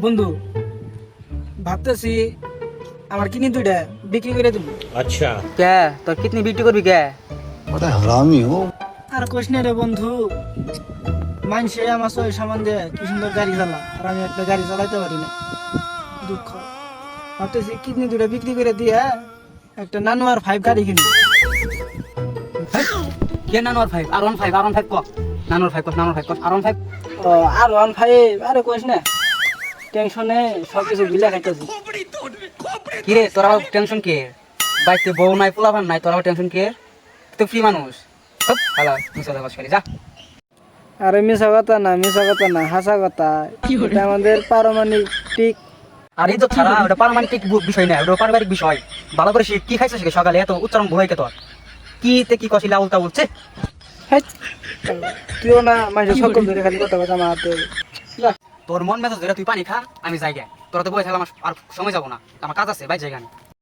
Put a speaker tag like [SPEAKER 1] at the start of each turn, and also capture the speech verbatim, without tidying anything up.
[SPEAKER 1] বন্ধু ভাবতেছি আমার কিডনি দুইটা বিক্রি করে দিব।
[SPEAKER 2] अच्छा
[SPEAKER 3] কে তোর কিডনি বিক্রি করবি কে?
[SPEAKER 4] बड़ा हरामी हो।
[SPEAKER 1] আর কোশ না রে বন্ধু, মানুষে আমার সই সামান দেয় কি সুন্দর গাড়ি চালা, আর আমি একটা গাড়ি চালাইতে পারি না। দুঃখ। ভাবতেছি কিডনি দুইটা বিক্রি করে দিয়ে একটা নানো আর ফাইভ গাড়ি কিনি।
[SPEAKER 3] কে নানোর ফাইভ আর ওয়ান ফাইভ আর ওয়ান ফাইভ ক নানোর ফাইভ ক নানোর ফাইভ ক আর ওয়ান ফাইভ
[SPEAKER 1] ও আর ওয়ান ফাইভ, আরে কোশ না, টেনশনে সব কিছু বিলা খাইতেছি।
[SPEAKER 3] কি রে তোর আবার টেনশন কে? বাইতে বউ নাই পোলাপান নাই, তোর আবার টেনশন কে? তুই তো ফ্রি মানুষ। হপ হালা তুই চলে বাস করি যা।
[SPEAKER 1] আরে মিশা কথা না, মিশা কথা না, হাসা কথা। এটা আমাদের পারমাণবিক।
[SPEAKER 3] আর এই তো ছাড়া ওটা পারমাণবিক বিষয় না, ওটা পারিবারিক বিষয়। ভালো করে শিখ, কি খাইছিস সকালে এত উচ্চারণ ভয় কে তোর? কি তে কি কছিলা উল্টা বলছে?
[SPEAKER 1] হেৎ, তুইও না মানুষের সকল ধরে খালি কথা কথা মারতে।
[SPEAKER 3] তোর মন মেজাজ ধরে তুই পানি খা, আমি যাই গে। তোরা তো বই থাকলে আমার আর সময় যাবো না, আমার কাজ আছে, বাই জায়গা